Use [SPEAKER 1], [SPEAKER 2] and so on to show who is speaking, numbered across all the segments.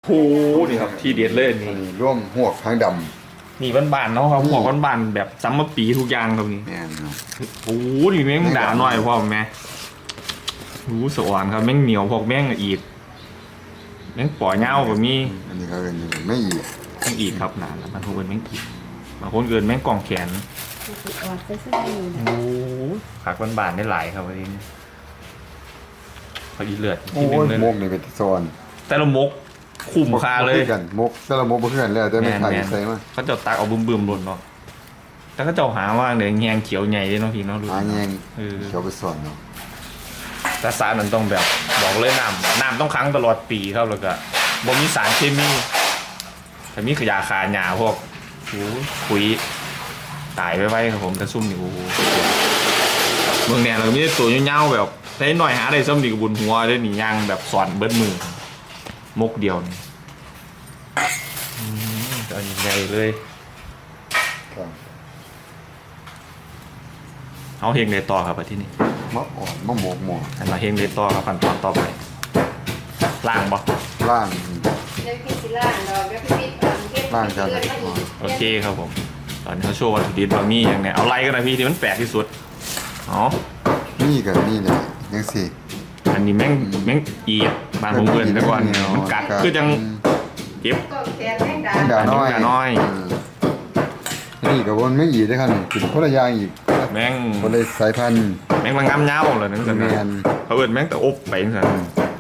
[SPEAKER 1] หนี่ครับที่เด็ดเลยนี่
[SPEAKER 2] ร่วมหวกทางด
[SPEAKER 1] นี่บ้านๆเนาะครับหัวบ้านๆแบบซ้ำมาปีทุกอย่างครับนี่
[SPEAKER 2] ำเนี่ยเนาะ
[SPEAKER 1] โอ้นี่แม่งด่าหน่อยพ่อแม่สวรรค์ครับแม่งเหนียวพอกแม่งอีดแม่งปล่อยเงาแบบนี้
[SPEAKER 2] อันนี้เขาเป็นไม่อีก
[SPEAKER 1] แม่งอีดครับนานแล้วมันคงเป็นแม่งอีดบางคนเกินแม่งกล่องแขน
[SPEAKER 3] ออดไปซื้ออยู่นะ
[SPEAKER 1] โอ้ผักบ้านๆได้หลายครับวันนี้เขาอีเลือด
[SPEAKER 2] โอ้
[SPEAKER 1] ที่หนึ่
[SPEAKER 2] ย
[SPEAKER 1] งเลย
[SPEAKER 2] มกนี่เป็นโซน
[SPEAKER 1] แต่ละมกคุ้มค่าเลย
[SPEAKER 2] บ่คือกันมกแต่ละมกบ่คือกันแล้วแต่ไม่ไทยใส่มา
[SPEAKER 1] เขาจะตักเอาบึมๆหล่นเนาะแต่เขาจะหาว่าเนี่ยแงงเขียวใหญ่เลยเนาะพี่เนาะดู
[SPEAKER 2] หาแยง
[SPEAKER 1] เออ
[SPEAKER 2] เขียวไปสอนเนาะ
[SPEAKER 1] แต่สารมันต้องแบบบอกเลยน้ำต้องค้างตลอดปีครับแล้วก็บ่มีสารเคมีแต่มีขยะคาหญ้าพวกปุ๋ยตายไว้ครับผมแต่ซุ่มนี่โอ้โหเมืองแดนเราก็มีแต่ตัวเงาๆแบบได้หน่อยหาได้ซ้ำดีกับบุญหัวได้หนีย่างแบบสอนเบิดมือมกเดียวนี่ตอนใหญ่เลย
[SPEAKER 2] ครับ
[SPEAKER 1] เอาเฮงเลยต่อครับที่นี่
[SPEAKER 2] มะอ่อนมะหมกหมอ
[SPEAKER 1] อันมาเฮงเลยต่อครับขั้นตอนต่อไปล่างบ่
[SPEAKER 2] ล่าง
[SPEAKER 3] เดี๋ยวพี่สิล่างดอกเดี๋ยวพี่ปิดเก็บ
[SPEAKER 2] ล่างกัน
[SPEAKER 3] เลือดมาอีก
[SPEAKER 1] โอเคครับผมตอนนี้เขาโชว์วัตถุดิบบะหมี่อย่างเนี้ยเอาไล่กันนะพี่ที่มันแปลกที่สุดอ๋อ
[SPEAKER 2] นี่กับนี่เลยยังสิ
[SPEAKER 1] อันนี้แม่งอีดบานผมเกินไปก่อนมันกัดคือจังเจ็บ
[SPEAKER 3] ก็แขนแม่งด่า
[SPEAKER 2] ด่าน้อย
[SPEAKER 1] ด่าน้อย
[SPEAKER 2] นี่กับวนไม่อีกได้ครับกินคนละอย่างอีก
[SPEAKER 1] แม่ง
[SPEAKER 2] คนละสายพันธุ์
[SPEAKER 1] แม่งมางามเงาเลยนั่นสิ
[SPEAKER 2] แม
[SPEAKER 1] นะ
[SPEAKER 2] น
[SPEAKER 1] เขาเอินแม่งแต่อบไปนั่นสิ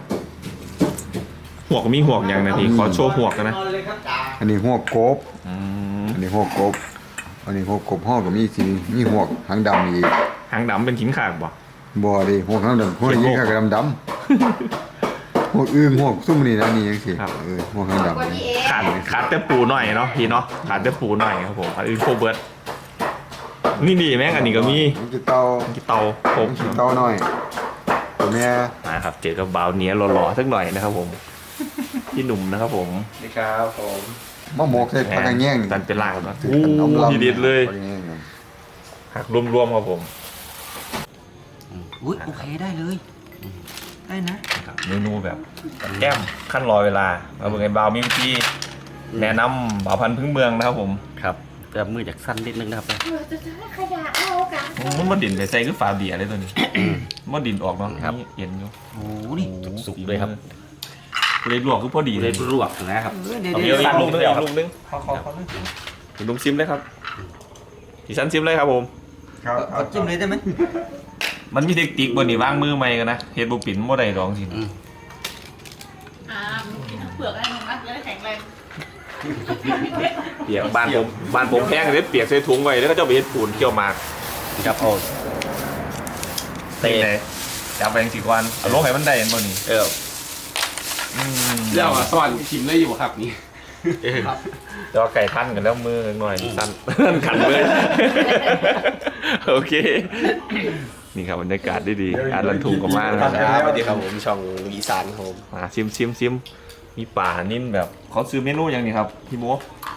[SPEAKER 1] หวกมีหวกอย่างนะพี่ขอโชว์หวกกันนะ
[SPEAKER 2] อันนี้หัวกบ
[SPEAKER 1] อืม
[SPEAKER 2] อันนี้หัวกบอันนี้หัวกบห่อกับมีสีมีหัวหางดำอีก
[SPEAKER 1] หางดำเป็นขิงขากบ่
[SPEAKER 2] บ่ดิหัวหางดำหัวยิ่งข้ากับดำหัวอึ่งหัวซุ่มนี่นะนี่ยังสิหัวหางดำ
[SPEAKER 3] คนนี้เอง
[SPEAKER 1] ขาดแต่ปูหน่อยเนาะพี่เนาะขาดแต่ปูหน่อยครับผมอันอื่นโคเบิร์ดนี่ดีแม่งอันนี้ก็มี
[SPEAKER 2] มันจะเตา
[SPEAKER 1] กี่เตาผม
[SPEAKER 2] มันจะเตาหน่อยตัวแม่
[SPEAKER 1] นะครับเจอกับบาวเนี้ยหล่อๆสักหน่อยนะครับผมพี่หนุ่มนะครับผม
[SPEAKER 4] นี่ครับผม
[SPEAKER 2] มะหมกใส่ผักกระแยง
[SPEAKER 1] ดันเป็นลากเนาะ
[SPEAKER 2] ถือขนมลำ
[SPEAKER 1] ทีเด็ดเลย
[SPEAKER 2] ผักกระแยงเนี่ย
[SPEAKER 1] หักรวมๆครับผม
[SPEAKER 4] อุ้ยโอเคได้เลยได้นะ
[SPEAKER 1] เมนูแบบแก้มขั้นรอเวลามาเบิ่งไอ้บาวมีวิธีแนะนำบ่าวพันธุ์พื้นเมืองนะครับผม
[SPEAKER 4] ครับจะมือจากสั้นนิดนึงนะครับ
[SPEAKER 3] จะขยะเอากัน
[SPEAKER 1] มันดินไปใส่คือฝาเบียร์เลยตัวนี้มันดินออกเนาะนี่เห็นอยู่
[SPEAKER 4] โอ้นี่สุกเลยครับ
[SPEAKER 1] เลยลวกคือพอดี
[SPEAKER 4] เล
[SPEAKER 1] เลย ย
[SPEAKER 4] ลวกนะครับ
[SPEAKER 1] เอาเดี๋ยวอีกลูกนึงอีกลูกนึงลุงซิมเลยครับดิฉันซิมเลยครับผม
[SPEAKER 2] ครับ
[SPEAKER 4] เอาจิ้มเลยได้ไหม
[SPEAKER 1] มันมีเทคนิคบนนี่วางมือใหม่กันนะเฮ็ดบุปิ่นบ่ได้ดองสิ
[SPEAKER 5] มึงกินทั้งเปลือกได้มึงนะจะได้แข็งแรง
[SPEAKER 1] เปียกบ้านผมแพงเลยเปียกใส่ถุงไว้แล้วก็จะไปเฮ็ดปูนเกี่ยวหมาก
[SPEAKER 4] ครับโอ้
[SPEAKER 1] เตะจับไปจังสิก่อนเอาลงให้มันได้เห็นบ่นี่
[SPEAKER 4] เออ
[SPEAKER 6] เรียกว่าสวรรค์ชิมได้อยู่ครับนี่
[SPEAKER 1] จอไก่พันกันแล้วมือหน่อยสั่นขันมือโอเค นี่ครับบรรยากาศดีๆอารันทุงกับมานะครับ
[SPEAKER 4] สวัสดีครับผมช่องอีสานครับผม
[SPEAKER 1] มาชิมมีป่านิ่นแบบเขาซื้อเมนูอย่างนี้ครับพี่โม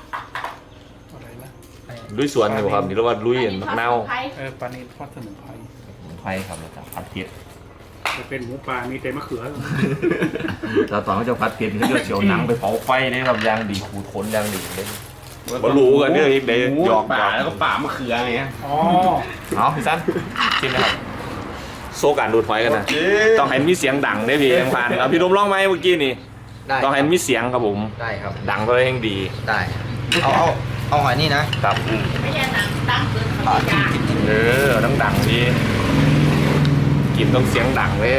[SPEAKER 1] ลุยสวนอยู่ครับนี่เรียกว่าลุยมะนาว
[SPEAKER 6] ปลาเนทอดสมุนไพร
[SPEAKER 1] ไฟครับแล้วก็ผัดเผ็ด
[SPEAKER 6] จะเป็นหมูปลา มีแต่มะเขือ
[SPEAKER 1] เราตอนเขาจะผัดเผ็ดเขาจะเฉียวหนังไปเผาไฟได้ครับยางดีขูดขนยางดีเลยบรู้กันเนี่ยอีกเดี๋ยวหยอก
[SPEAKER 6] ป่าแล้วก็ป่ามะเขืออะไรเงี้ย อ๋อ
[SPEAKER 1] เอาพี่สั้นชิมนะครับโซการดูดหอยกันนะต้องให้มีเสียงดังได้พี่ยังผ่านเอาพี่ดมร้องไหมเมื่อกี้นี่
[SPEAKER 4] ได้
[SPEAKER 1] ต้องให้มีเสียงครับผม
[SPEAKER 4] ได้ครับ
[SPEAKER 1] ดังก็เลยยังดี
[SPEAKER 4] ได้เอาหอยนี่นะครับ
[SPEAKER 5] ไม่ใช่หนังตั้งเกินเขาจะยาก
[SPEAKER 1] ต้องดังดีกินต้องเสียงดังเลย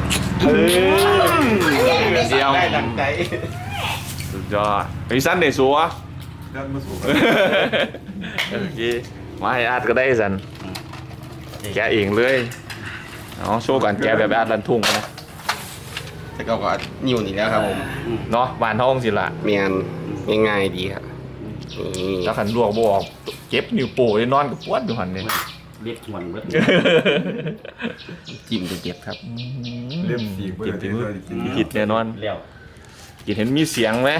[SPEAKER 1] เดียว
[SPEAKER 4] ได้ดังใจ
[SPEAKER 1] สุดยอดพี่สั้นเดี๋ยวสัว
[SPEAKER 2] เดินมาสู่
[SPEAKER 1] โอเคมาให้อาร์ตก็ได้สันแกะเองเลยเอาโชว์กันแกะแบบอาร์ตรันทุ่งกันนะ
[SPEAKER 7] แต่ก็นิ่วนี่แล้วครับผม
[SPEAKER 1] เนาะบานท้องสิละ
[SPEAKER 7] เมียนง่ายๆดีครับนี่
[SPEAKER 1] ถ้าขันลวกบออกเก็บนิ้วโป้ยนอนกับปวดอยู่หันเนี่ย
[SPEAKER 4] เรียกหวนเบิด
[SPEAKER 7] จิ้มจะเก็บครับ
[SPEAKER 2] เล่มสี
[SPEAKER 1] กินถึงผิดแน่นอน
[SPEAKER 4] เลี้ยว
[SPEAKER 1] กินเห็นมีเสียงไหม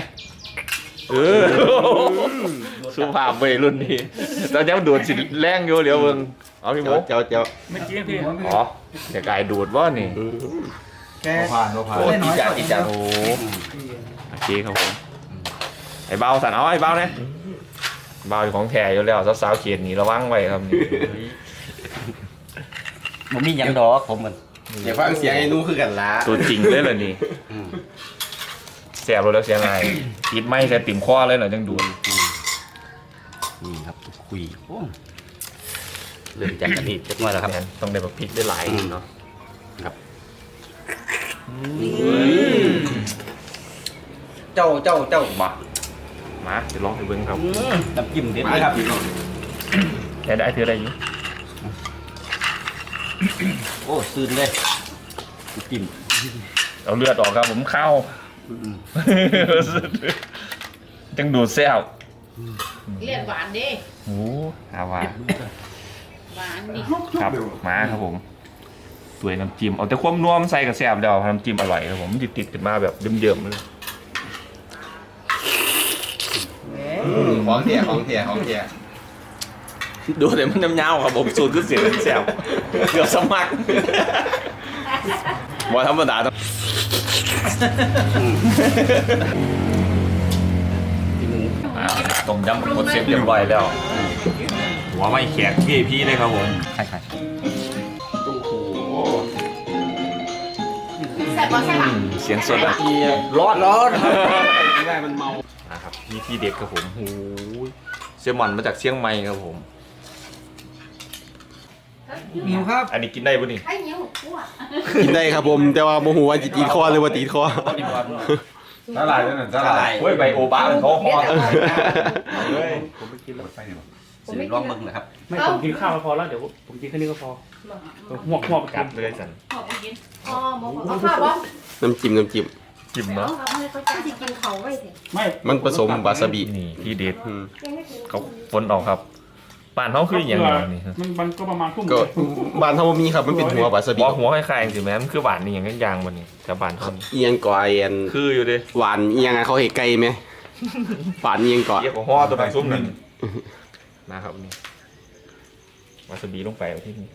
[SPEAKER 1] สุภาพไปรุ่นนี้ตอนนี้มันดูดสิแรงอยู่เดี๋ยวเบิ่งเอาพี่โม
[SPEAKER 7] เจ้า
[SPEAKER 6] ไม่จริงพี่
[SPEAKER 1] อ๋อเดี๋ยวกายดูดว่านี่
[SPEAKER 2] ผ่าน
[SPEAKER 1] โอ้
[SPEAKER 4] กินจาน
[SPEAKER 1] โอ้เคครับผมไอ้เบาสันเอาไอ้เบาเนี่ยเบาของแท้อยู่แล้วสาวๆเขียนนี่ระวังไว้ครับนี่
[SPEAKER 4] ผมมีหยังดอกผมมัน
[SPEAKER 7] อย่าฟังเสียงไอ้นู้คือกันละ
[SPEAKER 1] ตัวจริงเลยเหรอนี่แสบเลยแล้วเสียงไงติดไม้ใส่ติ่มข้อเลยเหรอจังดู
[SPEAKER 4] นี่ครับคุยโอ้เริ่มจากกันนี่เล็กน้อยแล้วครับ
[SPEAKER 1] ต้องได้แบบพริกได้หลายเนาะ
[SPEAKER 4] ครับเจ้า
[SPEAKER 1] มาเดี๋ยวลองไปเบิ้งครับ
[SPEAKER 4] น้ำจิ้มเด็ดเลยครับ
[SPEAKER 1] ได้ถืออะไรอยู่
[SPEAKER 4] โอ้ซื่นเลยน้ำจิ้ม
[SPEAKER 1] เอาเลือดออกครับผมเข้าจังดูดแซ่บ
[SPEAKER 5] เรียกหวานดิ
[SPEAKER 1] โอ้อาว่า
[SPEAKER 5] หวานดิ
[SPEAKER 1] ครับมาครับผมสวยน้ำจิ้มเอาแต่ความนัวมันใส่กับแซ่บเดียวน้ำจิ้มอร่อยครับผมติดขึ้นมาแบบเยิ้มๆเลย
[SPEAKER 7] ของเทีย
[SPEAKER 1] ดูแต่มันน้ำยาวครับผมสูตรคือเสียงแซ่บเกือบสมัครว่าธรรมดาต้องต้มยำหมดเสร็จเรียบร้อยแล้วหัวไม่แขกพี่เลยครับผม
[SPEAKER 4] ใช่
[SPEAKER 5] แซ่บบ่แซ่บ
[SPEAKER 1] เสียงสดอ่ะ
[SPEAKER 7] ร้อนง่ายมันเมา
[SPEAKER 1] นะครับนี่ที่เด็ดครับผมโอ้ยเซลมอนมาจากเชียงใหม่ครับผม
[SPEAKER 2] หิวครับ
[SPEAKER 1] อันนี้กินได้ปะนี่
[SPEAKER 3] ไอ้เนี้ยหกขวด
[SPEAKER 7] กินได้ครับผมแต่ว่าโมโหว่าจะตีคอหรือว่าตีคอ
[SPEAKER 2] สาหร่ายด้วยนะสาหร่าย
[SPEAKER 1] เฮ้ยใบโอบะมันเขาห่อเลย
[SPEAKER 4] สื่อลองเบิ่งนะครับ
[SPEAKER 6] ไม่ผมกินข้าวมาพอแล้วเดี๋ยวผมกินแค่นี้ก็พอหวก
[SPEAKER 1] กัดเลยสัน
[SPEAKER 5] ขอบคุณกิน
[SPEAKER 3] อ๋อหมอเอาข้าวบ่
[SPEAKER 7] น้ำจิ้ม
[SPEAKER 1] จิ้ม
[SPEAKER 3] เนาะ
[SPEAKER 1] เนาะ
[SPEAKER 3] เอาให้เขาจะกินเขาไว้สิ
[SPEAKER 6] ไม่
[SPEAKER 7] มันผสมวาซาบิ
[SPEAKER 1] นี่ที่เด็ด
[SPEAKER 7] อืม
[SPEAKER 3] ยังไม่ถึง
[SPEAKER 1] เขาฝนออกครับป่านเขาคืออย่างไรนี่ครับ
[SPEAKER 6] มันก็ประมาณทุ่ม
[SPEAKER 7] ก็บ้านเท่ามีครับมันเป็นหัววาซาบิ
[SPEAKER 1] บอกหัวคล้ายๆสิแม่มันคือหวานนี่อย่างนั้นยางวันนี้แต่บ้านเขานี่
[SPEAKER 7] เอียงก่อไอแอน
[SPEAKER 1] คืออยู่ดิ
[SPEAKER 7] หวานเอียงอะเขาเห็นไก่ไหมหวานเอียงก่อ
[SPEAKER 1] เรียกว่าห่อตัวแบบซุ่มนั่นนะครับนี่วาซาบิลงไปเอาที่นี่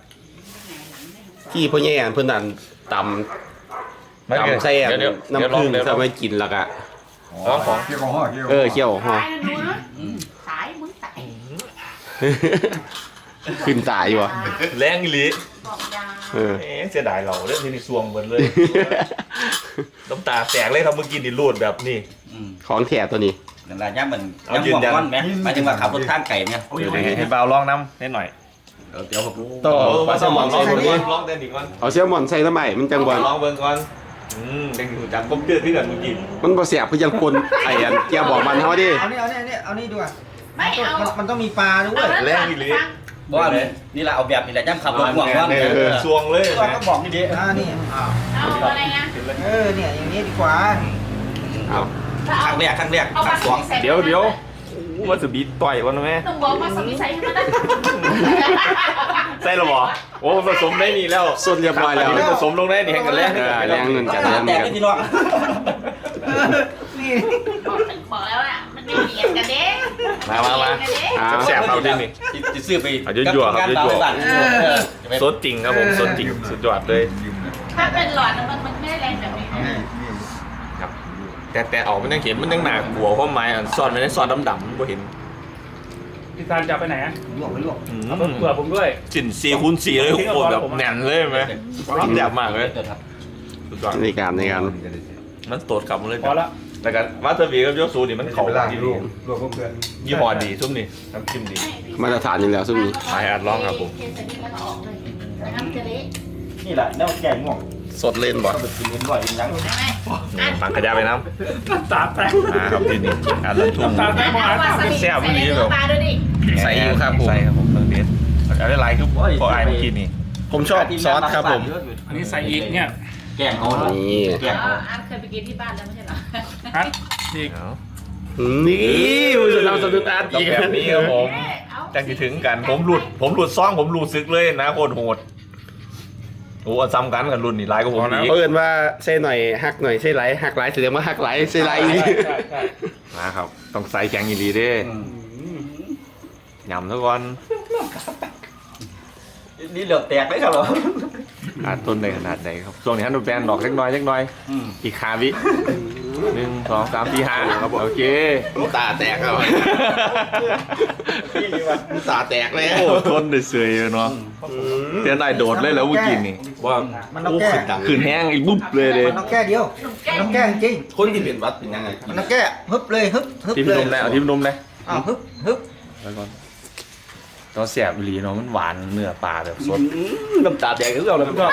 [SPEAKER 7] ที่พ่อแย่เพื่อนนั่นตำใส่อันน้ำผึ้งทำให้กินแล้วก็
[SPEAKER 1] ร้องของ
[SPEAKER 2] เกี่ยวกับห่อเกี่ยว
[SPEAKER 7] เคี่ยวห่อ
[SPEAKER 5] สายนะหนูนะสายมึงสาย
[SPEAKER 7] ขึ้นตายอยู่วะ
[SPEAKER 1] แรงอีหลี
[SPEAKER 5] บอกยา
[SPEAKER 1] เสียดายเราเรื่องที่นี่ซวงหมดเลยน้ำตาแตกเลยครับเมื่อกี้นี่รูดแบบนี้
[SPEAKER 7] ของแถตัวนี้
[SPEAKER 4] นั่นแหละย่ำมัน
[SPEAKER 1] เอายืนยัน
[SPEAKER 4] มันไหมหมายถึงว่าขับรถทางไก่เนี่ย
[SPEAKER 1] เดี๋ยวให้เบาลองน้ำนิดหน่อย
[SPEAKER 4] เดี๋ยวผม
[SPEAKER 7] ต่อปลาแซลมอน
[SPEAKER 1] ลอง
[SPEAKER 7] ใส่
[SPEAKER 1] เบิ่
[SPEAKER 7] ก่
[SPEAKER 1] ง
[SPEAKER 7] อน
[SPEAKER 1] ลองเต้นอีกก่อน
[SPEAKER 7] เอาแซลมอนใส่ทำไมมันจังบอล
[SPEAKER 1] ลองเบิ่งก่อนเป็นหูจักผมเตือนที่กันเมื่อกี้
[SPEAKER 7] มันบ่เสียบเพื่อยังคนไอ้อันเกี่ยวบอกมันเขาดิ
[SPEAKER 8] เอานี่ดีกว่า
[SPEAKER 5] ไม่เอา
[SPEAKER 8] มันต้องมีปลาด้วย
[SPEAKER 1] แรงอีหลี
[SPEAKER 4] บอกว่านี่แหละเอาแบบนี่แหละย่ำขับรถห่วงว่า
[SPEAKER 1] ซวงเลย
[SPEAKER 8] ก็ต้องบอกนี่ดินี่อ้าว
[SPEAKER 5] เอาอะไรนะ
[SPEAKER 8] เนี่ยอย่างนี้ดีกว่า
[SPEAKER 7] เอา
[SPEAKER 4] ครั้งแรกครั้ง
[SPEAKER 5] เอา
[SPEAKER 4] สอง
[SPEAKER 1] เดี๋ยวว่าจะบีต่อยวันไหม
[SPEAKER 5] ต้องบอกว่าสมิใส่ให้มันได้
[SPEAKER 1] ใช่หรอหมอโอ้ผสมได้นี่แล้ว
[SPEAKER 7] สุดเรียบร้อยแล้ว
[SPEAKER 1] ผสมลงได้นี่ให้กันแรง
[SPEAKER 7] แรงเงินกันแรง
[SPEAKER 4] แต่
[SPEAKER 7] เงิน
[SPEAKER 4] ไม่ที่น้อง
[SPEAKER 8] นี่
[SPEAKER 5] บอกแล้วอ่ะมันไม่เบียดกันเด้
[SPEAKER 1] มาแสบๆเอาดินี่
[SPEAKER 4] จะซื้อไป
[SPEAKER 1] สดจริงครับผมสดจริงสุดยอดเลย
[SPEAKER 5] ถ้าเป็นหลอดมันไม่ได้แรงแบบนี้
[SPEAKER 1] ครับแต่ออกมันยังเห็นมันยังหนากลัวเพราะไม้ซ่อนไว้ในซอนดำๆไม่เห็น
[SPEAKER 6] พี่การจะไปไหนอะ
[SPEAKER 8] ลวกไปลวก
[SPEAKER 6] เอาเผื่อผมด้วย
[SPEAKER 1] สิน4x4เลยโคตรแบบแน่นเลยไหมแซ่บมากเลยสุดยอด
[SPEAKER 7] ในการ
[SPEAKER 1] มันโตดกลับมาเลย
[SPEAKER 6] พอละ
[SPEAKER 1] แต่กันวาซาบิกับโยซูนี่มันเขา
[SPEAKER 2] เวลา
[SPEAKER 1] ดี
[SPEAKER 2] ลวกพวกเพื่อน
[SPEAKER 1] ยี่ห้อดีซุ่มนี่น้ำจิ้มดี
[SPEAKER 7] มาตรฐานอยู่แล้วซุ่มนี้
[SPEAKER 1] ไปอัดลองครับผม
[SPEAKER 5] เทใส่นี่แล้วก็ออกเลยน้ำจะเละ
[SPEAKER 4] นี่แหละแนวแก่ง่วง
[SPEAKER 7] สดเล่นบ่
[SPEAKER 4] กินเงินบ่อยยัง
[SPEAKER 5] ได้ไหม
[SPEAKER 1] ปังขยะไปน้
[SPEAKER 6] ตาแตก
[SPEAKER 1] ำครับที่นี่อัดลันทุ่ง
[SPEAKER 6] ตาแตกพอ
[SPEAKER 5] วาซาบิใส่ในเนื้อปลาด้วยดิ
[SPEAKER 7] ใส่อยู่ครับผม
[SPEAKER 1] ใส่ครับผมเพิ่งเด็ดเอาได้ไลน์คือพอไอ้เมื่อกี้นี่
[SPEAKER 7] ผมชอบซอสครับผม
[SPEAKER 6] อันนี้ใส่อีกเนี่ย
[SPEAKER 4] แกงเขา
[SPEAKER 7] นี่
[SPEAKER 5] อาร์ตเคยไปกินที่บ้านแล้วไม่ใช่เหรอ
[SPEAKER 6] ฮะอีก
[SPEAKER 7] นี่มันจะทำสตูดาร์
[SPEAKER 1] ต้องแบบนี้ครับผมจังคิดถึงกันผมหลุดซ่องผมหลุดซึกเลยนะโคตรโหดโอ้ซ้ำกันกันรุ่นนี่ไลน์ก็ผมอีก
[SPEAKER 7] เอิญว่าเส้นหน่อยหักหน่อยเส้นไหลหักไหลแสดงว่าหักไหลเส้นไหล
[SPEAKER 6] ใช่
[SPEAKER 1] นะครับต้องใส่แกงอีหลีเด้ยำทุกวัน
[SPEAKER 4] นี่เหลือบแตกไหมครับผม
[SPEAKER 1] ขาดต้นในขนาดไหนครับช่วงนี้ฮันดูแบนดอกเล็กน้อยอีกคาวิ 1 2 3 4 5ครับโอเค
[SPEAKER 7] ตาแตกครับตาแตกเลย
[SPEAKER 1] โอ้ทนได้เสยเนาะเตียนายโดดเลยแล้วเมื่อกี้นี่ว่า
[SPEAKER 8] มันต้องแก้
[SPEAKER 1] ขึ้นแห้งอีกบุ๊บเลย
[SPEAKER 8] มันต้องแก้เดียวมันต้องแก้จริง
[SPEAKER 7] คนที่เป็นวัดเป็นยังไง
[SPEAKER 8] มันต้องแก้ฮึบเลยฮึบ
[SPEAKER 1] ทิม
[SPEAKER 8] เลย
[SPEAKER 1] นมได้เอาทิมนมได้
[SPEAKER 8] อ้าวฮึบ
[SPEAKER 1] แล้วก่อนตอนแสบอีหลีเนาะมันหวานเนื้อปลาแบบสด
[SPEAKER 7] น้ำตาแตกคือเราเลยก็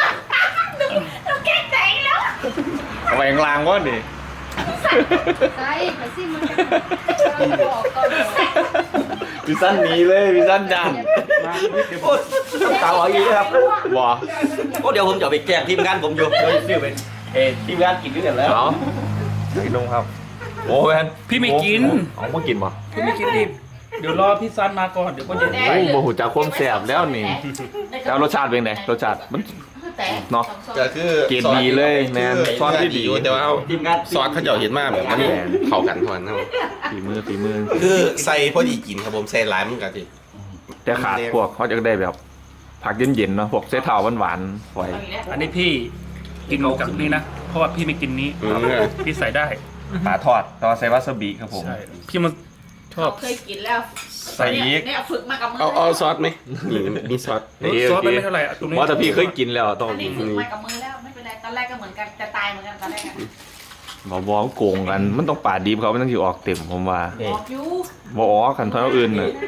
[SPEAKER 1] เอาไปกลางวะนี่
[SPEAKER 3] ใส่ไปสิมันจะบอกก่อน
[SPEAKER 1] พี่สั้นหนีเลยพี่สั้นจัง
[SPEAKER 7] ตาหวานอย่างนี้ครับ
[SPEAKER 1] ว้า
[SPEAKER 7] โอ้เดี๋ยวผมจะไปแกล้งทีมงานผมอยู่เดี๋ยวซื้อเป็นทีมงานกินด้วยกันแล้ว
[SPEAKER 1] เอากินนมครับโอ้แมน
[SPEAKER 6] พี่ไม่กิน
[SPEAKER 1] เอามากินป่ะ
[SPEAKER 6] พี่ไม่กินดิเดี๋ยวรอพี่ซันมาก่อนเดี๋ยวก็เย็น
[SPEAKER 1] โอ้โหหูจากความแสบแล้วนี่แล้วรสชาติเป็นไงรสชาติมัน เนาะ
[SPEAKER 7] ก็คือ
[SPEAKER 1] เกรดดีเลยแมนซอสที่ดี
[SPEAKER 7] แต่ว่า
[SPEAKER 4] ทีมงาน
[SPEAKER 7] ซอสเขาเจะเห็นมากแบบนี้เข้ากันทุกวันครับ
[SPEAKER 1] ฝีมือ
[SPEAKER 7] คือใส่พอดีกินครับผมใส่หลายมันกันสิ
[SPEAKER 1] แต่ขาดพวกเขาจะได้แบบผักเย็นๆเนาะพวกเส้เท้าหวานๆไว้
[SPEAKER 6] อันนี้พี่กินกับนี่นะเพราะว่าพี่ไม่กินนี้พี่ใส่ได้
[SPEAKER 1] ปลาทอดต่อใส่วาซาบิครับผม
[SPEAKER 6] ใช่พี่มันชอบ
[SPEAKER 5] เคยกินแล้ว
[SPEAKER 1] ใส่อีก
[SPEAKER 5] เนี่ยฝึกมากับมื
[SPEAKER 7] เอาซอสไหมนี่มีซอส
[SPEAKER 6] ซอสมันไม่เท่าไหร่ตรงนี้
[SPEAKER 1] ว่าแต่พี่เคยกินแล้วต้อง
[SPEAKER 5] อันนี้ฝึกมากับมือแล้วไม่เป็นไรตอนแรกก็เหมือนกันจะตายเหมือนกันตอนแรกอะ
[SPEAKER 1] บอกโกงกันมันต้องปาดดีเขาไม่ต้องอยู่ออกเต็มผมว่า
[SPEAKER 5] บอกอยู่
[SPEAKER 1] บออกกันเท่าอื่นน่ะ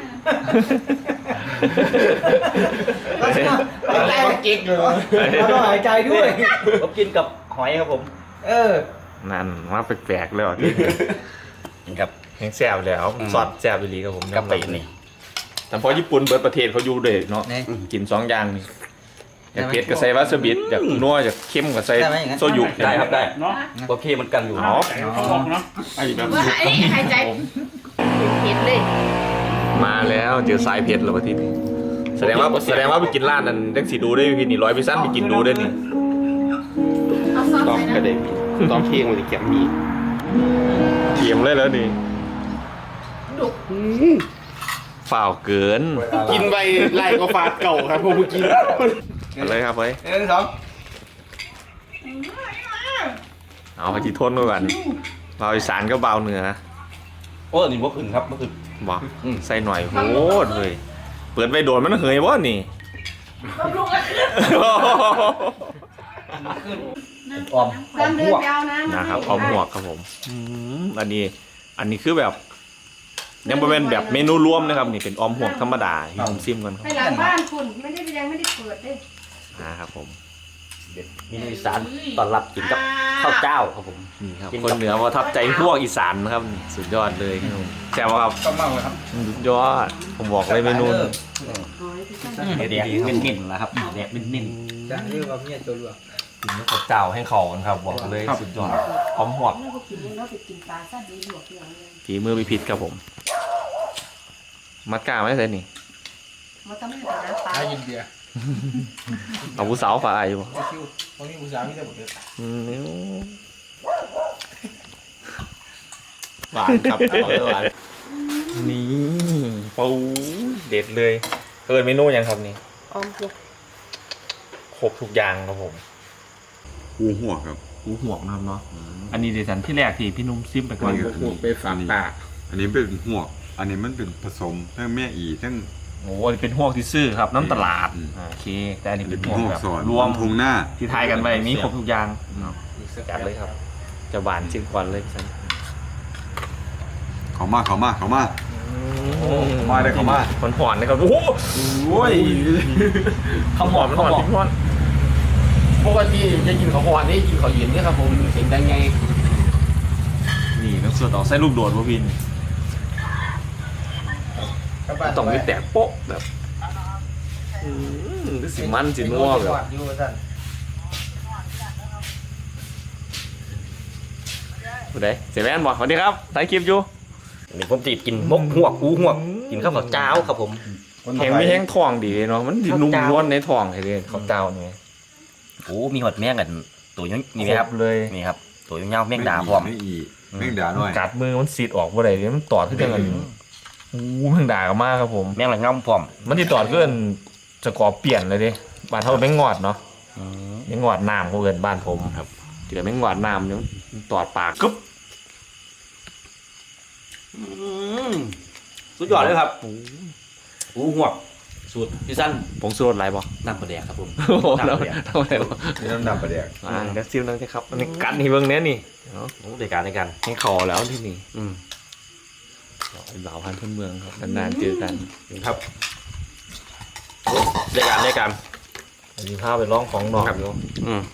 [SPEAKER 8] แล้วก็เก๊กเลยเราต้องหายใจด้วย
[SPEAKER 4] ผมกินกับหอยครับผม
[SPEAKER 1] นั่นมาแปลกๆแล้วที่
[SPEAKER 4] กินกับ
[SPEAKER 1] แห้งแซ่บแล้วซอสแซ่บไปลีครับผม
[SPEAKER 4] กะปินี่
[SPEAKER 1] แต่พอญี่ปุ่นเบิร์ดประเทศเขาอยู่เด็กเนาะกิน2อย่างนี่อยากเผ็ดก็ใส่วาซาบิอยากนัวอยากเค็มก็ใส่โซยุ
[SPEAKER 4] ได้ครับได้
[SPEAKER 6] เนาะ
[SPEAKER 4] โอเคเหมันกันอยู่
[SPEAKER 1] เนาะ
[SPEAKER 6] เขาบอกเนาะ
[SPEAKER 1] ไอ้แบบ
[SPEAKER 5] ว่าไอ้หายใจเห็นเลย
[SPEAKER 1] มาแล้วเจอสายเผ็ดแล้วประเทศนี้แสดงว่าไปกินร้านนั้นจังสีดูได้พี่นี่100%ไปกินดูได้นี่
[SPEAKER 5] เอาซอส
[SPEAKER 7] ตอม
[SPEAKER 5] ใส่
[SPEAKER 7] กระ
[SPEAKER 5] นะ
[SPEAKER 7] เด็นตอมเพียงมันจะแกมมี
[SPEAKER 1] เกียมเลยแล้วนี่
[SPEAKER 5] ดุก
[SPEAKER 1] ฝ่าวเกิน
[SPEAKER 7] กินไปไล่ก็ฟาดเก่าครับผมกิน
[SPEAKER 1] อะไรครับเฮ้ย
[SPEAKER 8] 1 2
[SPEAKER 1] เอาไปจีทนก่อนเบาอีสานก็เบาเหนือ
[SPEAKER 4] โอ้นี่บ่ขึ้นครับบ่ขึ้น
[SPEAKER 1] บอกใส่หน่อยโหดเลยเปิดไปโดนมันเหยวะนี่
[SPEAKER 5] บำรุงกันขึ้น
[SPEAKER 4] ออม
[SPEAKER 3] ตามเดินไปเอาน้ำ
[SPEAKER 1] นะครับเอาหมวกครับผมอันนี้คือแบบยังเป็นแบบเมนูรวมนะครับนี่เป็นออมหวกธรรมดาที่ผมซิมกันครับ
[SPEAKER 3] ไปหลังบ้านคุณยังไม่ได้เปิดเลย
[SPEAKER 1] ครับผม
[SPEAKER 4] มีอีสานต้อนรับกินกับข้าวเจ้าครับผม
[SPEAKER 1] นี่ครับคนเหนือประทับใจพวกอีสานนะครับสุดยอดเลยครับผมแซ่บครับ
[SPEAKER 8] ก็มั่งเลยครับ
[SPEAKER 1] สุดยอดผมบอกเลยเมนู
[SPEAKER 4] เด็ดเป็นนิ่มๆนะครับเด็ดเป็นนิ่ม
[SPEAKER 8] จะเรียกว่าเมียตัวหลวง
[SPEAKER 1] กินกับเจ้าให้เขากันครับบอกเลยสุดยอดออมหวก
[SPEAKER 3] แล้วก็กินแล้วไปกินปลาซาดีหลวกอย่างเงี้ย
[SPEAKER 1] ฝีมือพิพิธครับผม มัดกล้าไม่ใช่นี่
[SPEAKER 3] มันจะไม่เป็นน้ำปลา
[SPEAKER 8] ได้ยินเดีย
[SPEAKER 1] เอาผู้สาวฝ่ายอยู่
[SPEAKER 8] ไอคิวตรงนี้อุตสาหไม่ได้หมดเลย
[SPEAKER 7] หวานครับหวาน
[SPEAKER 1] นี่ปูเด็ดเลยเมนูยังครับนี่
[SPEAKER 3] ออมหวก
[SPEAKER 1] ครบทุกอย่างครับผม
[SPEAKER 2] หูหัวครับ
[SPEAKER 1] หูหวกนะครับเนาะอันนี้เดี๋ยวฉันที่แรกที่พี่นุ่มซิมไปก่อน
[SPEAKER 6] ไปฝากตา
[SPEAKER 2] อันนี้เป็นหัวอันนี้มันเป็นผสมทั้งแม่อีทั้ง
[SPEAKER 1] โอ้อันนี้เป็นหวกที่ซื้อครับน้ำตลาด
[SPEAKER 2] อืม
[SPEAKER 1] โอเคแต่อันนี้
[SPEAKER 2] อัน
[SPEAKER 1] เป็
[SPEAKER 2] นี้
[SPEAKER 1] น
[SPEAKER 2] เป็น
[SPEAKER 1] หวก
[SPEAKER 2] หัว
[SPEAKER 1] แบบ
[SPEAKER 2] สอน
[SPEAKER 1] รวม
[SPEAKER 2] ทงหน้า
[SPEAKER 1] ที่ทายกันไปมีครบทุกอย่างเนาะจัดเลยครับจะหวานจิ้มก่อนเลยฉัน
[SPEAKER 2] เขามาเลยเขามา
[SPEAKER 1] มันหอนนะครับโอ้โห
[SPEAKER 4] ข้าวหอม
[SPEAKER 1] มันห
[SPEAKER 4] ข้าว
[SPEAKER 1] อน
[SPEAKER 4] หอม
[SPEAKER 1] พี่หอน
[SPEAKER 7] ปกติจะกินข้าวหวานนี่กินข้าวเย็นนี่ครับผมเสียงดังไง
[SPEAKER 1] นี่น้ำส่วนต่อไส้ลูกโดดวะพินต้องมีแตกโป๊ะแบบสิมันสินัวแบบ
[SPEAKER 8] อยู่ท่าน
[SPEAKER 1] ผู้ใดเสียแม่นบอกสวัสดีครับถ่ายคลิปอยู่
[SPEAKER 4] นี่ผมติดกินมกหวกหูหวกกินข้าวเจ้าครับผม
[SPEAKER 1] แห้งไม่แห้งทองดีเนาะมันดินุ่มนวลในทองไอ้เลยข้าวเจ้าเนี่ย
[SPEAKER 4] โอ้มีหอดแมงกันตัวนี้นี่ไหมครับ
[SPEAKER 1] เลย
[SPEAKER 4] นี่ครับตัวยาวๆแมงดาพร้อม
[SPEAKER 2] ไม่อีแม่งด่าหน่อย
[SPEAKER 1] กัดมือมันสีดออกบ่ได้เลยมันตอดขึ้นกันโอ้แม่งด่ากันมากครับผม
[SPEAKER 4] แมงหลังงำพร้อม
[SPEAKER 1] มันที่ตอดขึ้นจะก่อเปลี่ยนเลยดิบ้านเท่าแม่งงอดเนาะแม่งงอดน้ำเขาเกินบ้านผมครับเจอแม่งงอดน้ำเนี่ยมันตอดปากกึ๊บ
[SPEAKER 7] สุดยอดเลยครับหูหวกสูตรพี่สั้น
[SPEAKER 1] ผงชูรสอะไรบ่
[SPEAKER 7] น้ำปลาแดกครับผม
[SPEAKER 1] โอ้โห
[SPEAKER 7] น้ำปลาแดก
[SPEAKER 1] ทำอะไรบ่
[SPEAKER 2] นี่น้ำดำประเดี๋ยว
[SPEAKER 1] เดี๋ยวซิมนั่งสิครับอันนี้กัดนี่เบิ่งเนี้ยนี่เนาะ
[SPEAKER 7] โอ้ในการในการ
[SPEAKER 1] ให้ขอแล้วที่นี่
[SPEAKER 7] อืม
[SPEAKER 1] เหล่าพันธุ์พื้นเมืองครับนานๆเจอกัน
[SPEAKER 7] ครับในการ
[SPEAKER 1] อันนี้พาไปร้องของนอกอยู่
[SPEAKER 7] อืม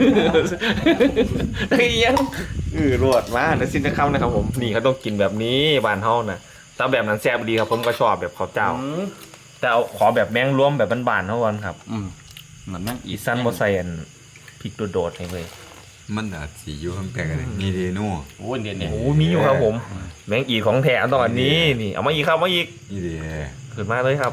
[SPEAKER 1] ได้ยังรวดมาเดี๋ยวสิ้นจะเข้านะครับผมนี่เขาต้องกินแบบนี้บ้านเฮานะถ้าแบบนั้นแซ่บดีครับผมก็ชอบแบบข้าวเจ้า แต่เอาขอแบบแมงรวมแบบบ้านๆเท่ากันครับ
[SPEAKER 7] อืมเหมือนแม่ง
[SPEAKER 1] อีสั้นบ่ใส่อันพริกโดดๆให้เลย
[SPEAKER 2] มันอาจสิอยู่ข้างแต่กันเลยนี่เดโน่
[SPEAKER 7] โอ้ยเนี่ย
[SPEAKER 1] โอ้มีอยู่ครับผม แมงอีของแท้ต้องอันนี้นี่เอามาอีกครับมาอีก
[SPEAKER 2] นี่เด
[SPEAKER 1] ขึ้นมาเลยครับ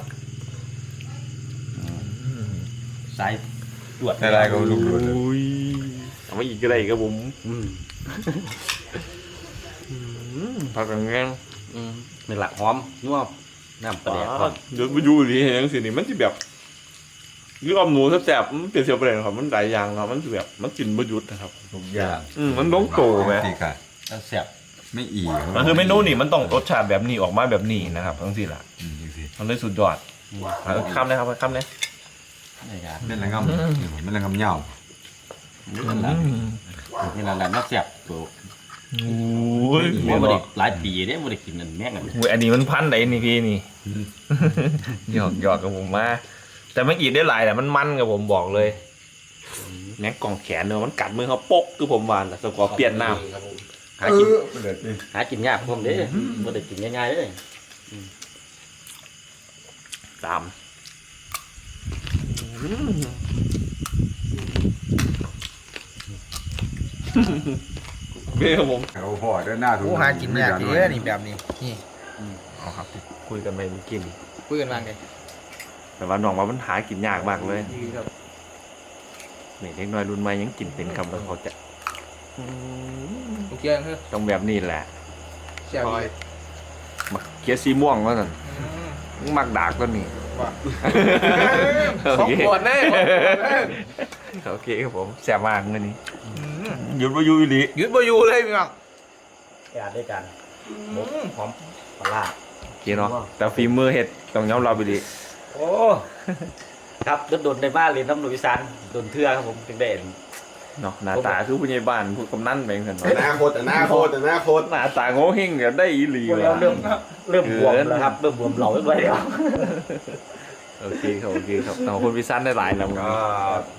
[SPEAKER 7] สายตรวจ
[SPEAKER 2] อะไรก็ลูกดูด
[SPEAKER 1] อุ้ยเอามาอีกก็ได้ครับผม
[SPEAKER 7] อืม
[SPEAKER 1] ผักกระเงง
[SPEAKER 7] อืมนี่แหละหอมนัวน้ำปลาแดกครับ
[SPEAKER 1] เดี๋ยวไปดูดิเห็นจังซี่นี่มันสิแบบยือมหนูแซ่บๆมันเป็นเสียวเปรนครับมันหลายอย่างครับมันสิแบบมันกินบ่หยุดนะครับ
[SPEAKER 2] ทุกอย่าง
[SPEAKER 1] มันต้องโตไหม
[SPEAKER 2] นี่ค่ะ
[SPEAKER 7] แล้วแซ่บ
[SPEAKER 2] ไม่อี
[SPEAKER 1] มันคือเมนูนี่มันต้องรสชาติแบบนี้ออกมาแบบนี้นะครับทั้งสี่ละ
[SPEAKER 2] จังซี่
[SPEAKER 1] มันเลยสุดยอดคำนะครับคำเลย
[SPEAKER 7] ในการ
[SPEAKER 2] แม่นละงำนี่แม่นละงำเหย้า
[SPEAKER 7] นี่แหละน่าแซ่บตัว
[SPEAKER 1] โอ้ย
[SPEAKER 7] ว่าบ่ได้หลายปีเนี่ยบ่ได้กินนั่นแม่งกัน
[SPEAKER 1] อันนี้มันพันไหนนี่พี่นี่หยอกกับผมมาแต่ไม่อีกได้หลายแต่มันกับผมบอกเลยแม็กกล่องแขนเนอะมันกัดมือเขาปกคือผมวานแต่สกอร์เปลี่ยนน้ำ
[SPEAKER 7] หากิน
[SPEAKER 2] เด็ดนี่
[SPEAKER 7] หากินยากผมเด้บ่ได้กินง่ายๆเด้
[SPEAKER 1] ตามเบ้ครับผม
[SPEAKER 2] เอาห่อด้านหน้าถูก
[SPEAKER 8] กูหากินยากเด้อนี่แบบนี้นี่
[SPEAKER 1] เอาครับคุยกันไปเมื่อกี้นี่
[SPEAKER 8] คุยกันว่าไง
[SPEAKER 1] แต่ว่าน้องว่ามันหากินยากมากเลยนี่เด็กน้อยรุ่นใหม่ยังกินเป็นคำแล้วเขาจะ
[SPEAKER 8] โอเคเฮ้ย
[SPEAKER 1] ต้องแบบนี้แหละ
[SPEAKER 8] เสียบอีก
[SPEAKER 1] มักเคี้ยวสีม่วงแล้วนั่นมักดากตัวนี้
[SPEAKER 8] สองขวดแน่
[SPEAKER 1] โอเคครับผมแซ่บมากเลยนี่หยุดมาอยู่อีหลี
[SPEAKER 8] ยืดบ่อยู่เลยพี่น้อง
[SPEAKER 7] การด้วยกันหอมปลาร้า
[SPEAKER 1] โอเคเนาะแต่ฝีมือเห็ดต้องยอมรับไปดี
[SPEAKER 7] โอ้ครับโดนในบ้านเรียนน้ำหนุ่ยซันโดนเทื่อครับผมถึงได้
[SPEAKER 1] เนาะหน้าตาคือผู้ใหญ่บ้านผู้กำนันไปเหมือนกันเนาะ
[SPEAKER 2] อนาคต
[SPEAKER 1] หน้าตาโง่เฮงเดี๋ยวได้อีหลี
[SPEAKER 7] เรา
[SPEAKER 1] ว่ะ
[SPEAKER 7] เริ่มบวมแล้วครับเริ่มบวมเหลาไปแล้ว
[SPEAKER 1] โอเคครับโอเคครับขอบคุณพี่ซันได้หลายแล้วครับ